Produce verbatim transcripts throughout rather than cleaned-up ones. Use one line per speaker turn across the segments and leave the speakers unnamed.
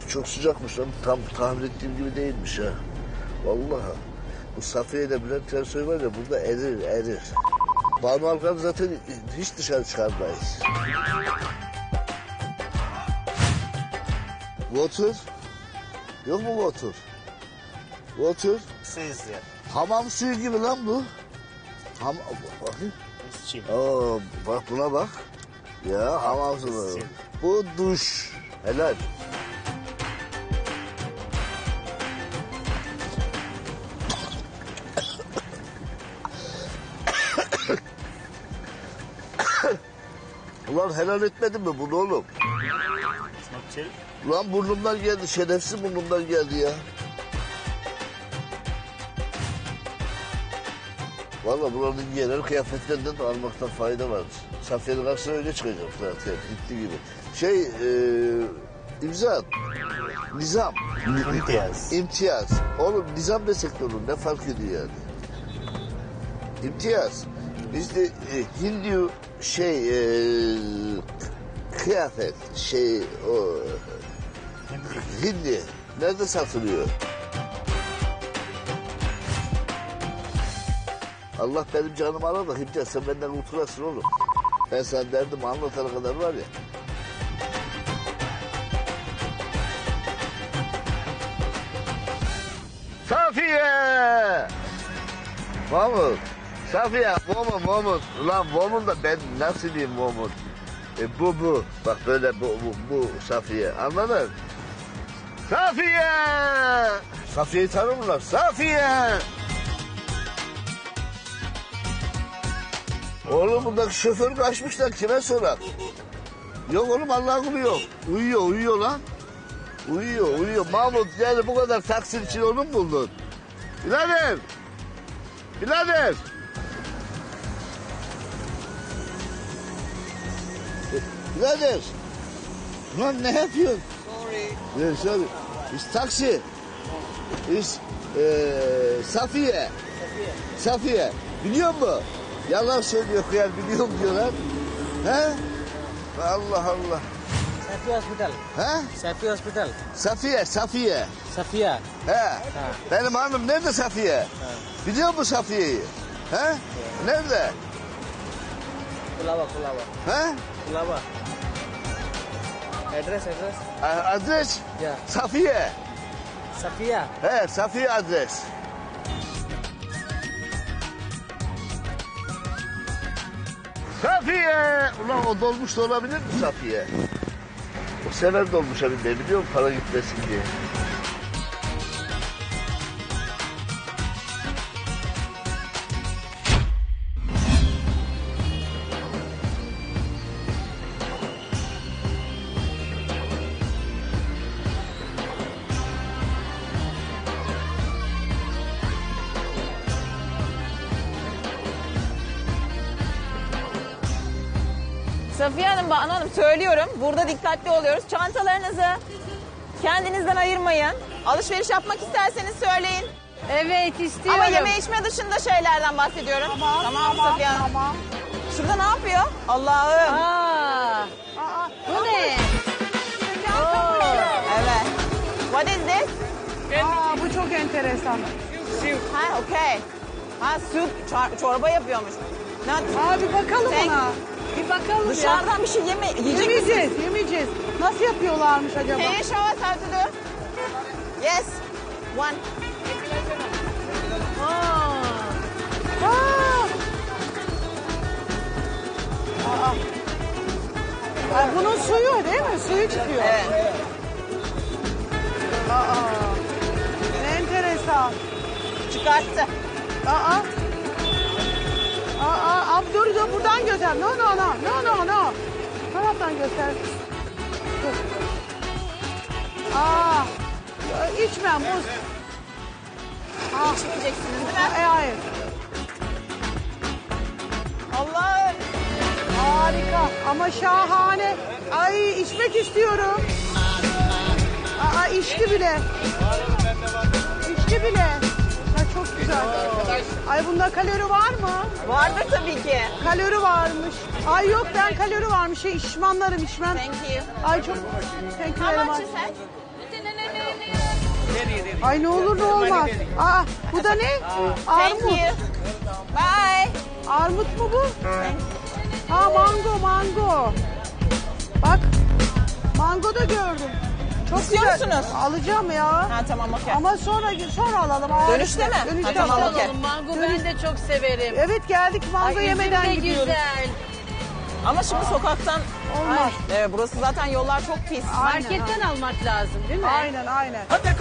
çok sıcakmış lan. Tam tahmin ettiğim gibi değilmiş ha. Vallahi. Bu Safiye ile Bülent Ersoy var ya burada erir erir. Banu Alkan'ı zaten hiç dışarı çıkarmayız. Water. Yok mu water? Water.
Says there.
Hamam suyu gibi lan bu. Ham bakayım.
It's chill.
Oo, bak buna bak. Ya hamam suyu. Bu duş. Helal. Ulan helal etmedin mi bunu oğlum?
It's not chill.
Ulan burnumdan geldi, şerefsiz burnumdan geldi ya. Vallahi buranın genel kıyafetlerinden de almaktan fayda var. Safiye'nin karşısına öyle çıkacak zaten, gitti gibi. Şey, e, imza, nizam.
İmtiyaz.
İmtiyaz. Oğlum nizam desek de olur, ne fark ediyor yani? İmtiyaz. Bizde e, Hindu şey, e, kıyafet, şey, o... Hindi. Nerede satılıyor? Allah benim canımı alır da Himcan sen benden kurtulasın oğlum. Ben sana derdimi anlatana kadar var ya. Safiye! Mahmut. Safiye, Momut, Momut. Ulan Momut da ben nasıl diyeyim Momut? E, bu bu. Bak böyle bu, bu, bu Safiye. Anladın? Safiye! Safiye'yi tanımlar. Safiye! Oğlum buradaki şoför kaçmışlar. Kime sorar? Yok oğlum Allah'ın kulu yok. Uyuyor, uyuyor lan. Uyuyor, uyuyor. Mahmut yani bu kadar taksi için onu mu buldun? Birader! Birader! Birader! Lan ne yapıyorsun? Sorry. Yeah, sorry. It's taxi. It's e, Safiye. Safiye. Safiye. Biliyor musun? Yalan söylüyor kıyar biliyorum diyorlar. He? Allah Allah.
Safiye Hospital.
He?
Safiye Hospital.
Safiye, Safiye.
Safiye.
He. Benim hanım nerede Safiye?
Ha.
Biliyor musun Safiye'yi? He?
Evet.
Nerede?
Kulava, Kulava.
He?
Kulava. Address, address.
A- Adres?
Ya.
Safiye.
Safiye.
He, Safiye adres. Safiye! Ulan o dolmuş da olabilir mi Safiye? O sever dolmuşa binmeyi biliyor musun? Para gitmesin diye.
Safiye Hanım, Banu Hanım söylüyorum. Burada dikkatli oluyoruz. Çantalarınızı kendinizden ayırmayın. Alışveriş yapmak isterseniz söyleyin.
Evet istiyorum.
Ama yeme içme dışında şeylerden bahsediyorum. Tamam, tamam, Safiye Hanım. Tamam. Şurada ne yapıyor? Allah'ım.
Aa,
Aa,
bu ne?
Oo, evet. What is this?
Aa, bu çok enteresan.
Ha, okay. Ha, süt, çor- çorba yapıyormuş. Ne?
Aa, bir bakalım
Sen-
ona. Bir bakalım ya.
Dışarıdan bir şey yeme, yiyecek misin?
Yemeyeceğiz, yemeyeceğiz. Nasıl yapıyorlarmış acaba?
Can you show us how to do? Yes. One.
Aa. Aa. Aa. Aa, bunun suyu değil mi? Suyu çıkıyor.
Evet.
Aa. Ne enteresan.
Çıkarttı.
Aa. Aa, abi dur dur buradan göster. No no no no no no. Taraftan göster. Dur. Aa. İçmem buz. Aa.
İçmeyeceksiniz değil mi?
E, hayır.
Allah'ım.
Harika ama şahane. Ay içmek istiyorum. Aa içti bile. İçti bile. Ya çok güzel. Ay bunda kalori var mı?
Vardır tabii ki.
Kalori varmış. Ay yok ben kalori varmış. Şey içmanlarım içmem.
Thank you.
Ay çok thank you
How
very
much
much.
is that?
Ay ne olur ne olmaz. Aa, bu da ne?
Thank
Armut.
you. Bye.
Armut mu bu? Ha mango mango. Bak mango da gördüm. Çok
İstiyor
güzel.
musunuz?
Alacağım ya.
Ha tamam okey.
Ama sonra sonra alalım. Aa,
Dönüşte mi?
Dönüşte
Ha, tamam,
alalım.
okey.
Mango ben de çok severim.
Evet geldik mango
Ay, üzüm
yemeden
de
gidiyoruz.
güzel.
Ama şimdi sokaktan...
Olmaz.
Ay, evet, burası zaten yollar çok pis.
Marketten almak lazım değil mi?
Aynen aynen.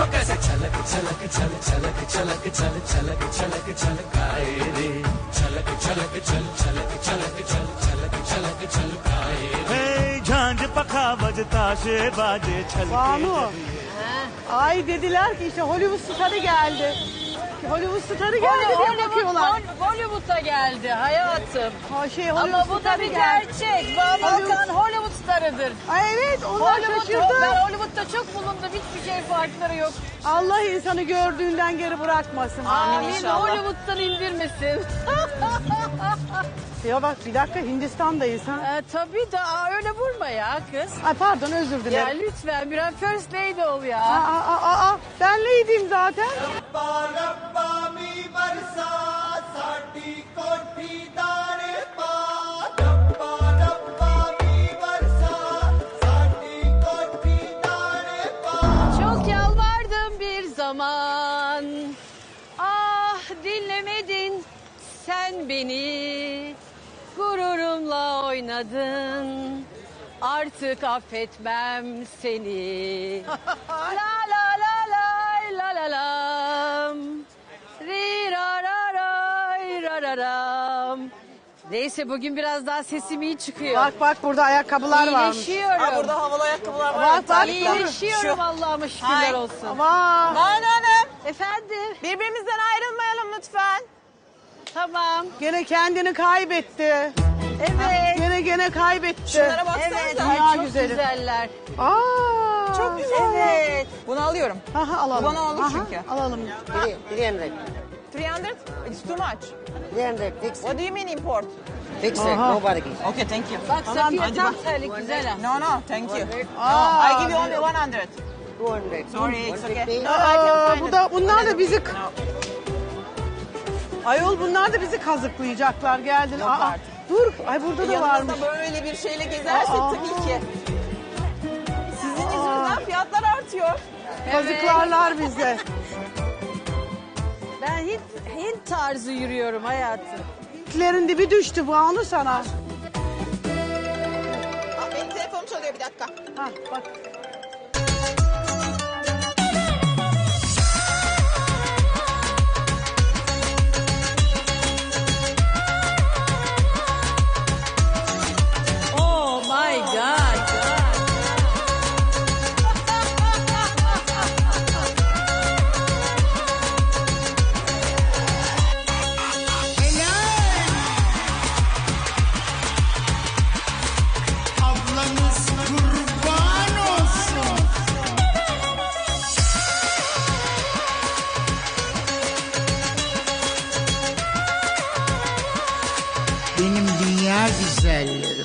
Hey, झांझ पखा बजता से बाजे छल
Banu. Ay dediler ki işte Hollywood starı geldi. Hollywood starı geldi diye
Hollywood,
bakıyorlar.
Hol- Hollywood'a geldi hayatım.
Ha, şey, Hollywood
Ama bu da
starı
bir
geldi.
gerçek. Banu Alkan Hollywood starıdır.
Ay evet onlar
Hollywood,
şaşırdı.
ben Hollywood'da çok bulundum. Hiçbir şey farkları yok.
Allah insanı gördüğünden geri bırakmasın.
Amin
Amin.
inşallah.
Hollywood'dan indirmesin.
Ya bak bir dakika Hindistan'dayız ha.
Ee, tabii da aa, öyle vurma ya kız.
Ay pardon özür
Ya
dilerim.
lütfen biraz first lady ol
Aa,
ya.
aa, aa, aa. Ben neydim zaten?
Çok yalvardım bir zaman. Ah dinlemedin sen beni. Gururumla oynadın. Artık affetmem seni. La la la la la la lam. Ri ra ra ray ra ra ram. Neyse bugün biraz daha sesim iyi çıkıyor.
Bak bak burada ayakkabılar varmış.
İyileşiyorum.
Ha, burada havalı ayakkabılar var.
Bak, bak,
İyileşiyorum Allah'ıma şükürler
Ay.
olsun.
Vay.
Banu Hanım,
Efendim?
birbirimizden ayrılmayalım lütfen.
Tamam.
Gene kendini kaybetti.
Evet.
Gene gene kaybetti.
Şunlara baksanıza.
Evet.
Dünya
Ay, çok
güzeli.
güzeller.
Aa,
Çok güzel. Evet. Bunu alıyorum.
Aha, alalım.
Bu bana olur
Aha,
çünkü.
Alalım.
three hundred.
three hundred? It's too much.
three hundred. Fix it.
What do you mean import?
Fix it.
Aha.
No bargain.
Okay, thank you.
Bak Safiye
hadi
tam
bak.
terlik güzel ha.
No, no, thank you.
Aa.
No, I give you only one hundred.
two hundred.
Sorry, it's okay.
fifty.
No, I can
Aa,
find
bu
it.
da bunlar da bizi
No.
Ayol bunlar da bizi kazıklayacaklar geldin.
Yok
Aa,
artık.
dur. Ay burada da varmış.
Yanınızda böyle bir şeyle gezersek
Aa.
tabii ki. Sizin yüzünüzden fiyatlar artıyor.
Kazıklarlar bizi.
Ben Hint, Hint tarzı yürüyorum hayatım.
Hintlerin dibi düştü bu anı sana.
Aa, benim telefonum çalıyor bir dakika.
Ha bak.
Oh my God.
Ablanız kurban olsun.
Benim dünya güzellerim.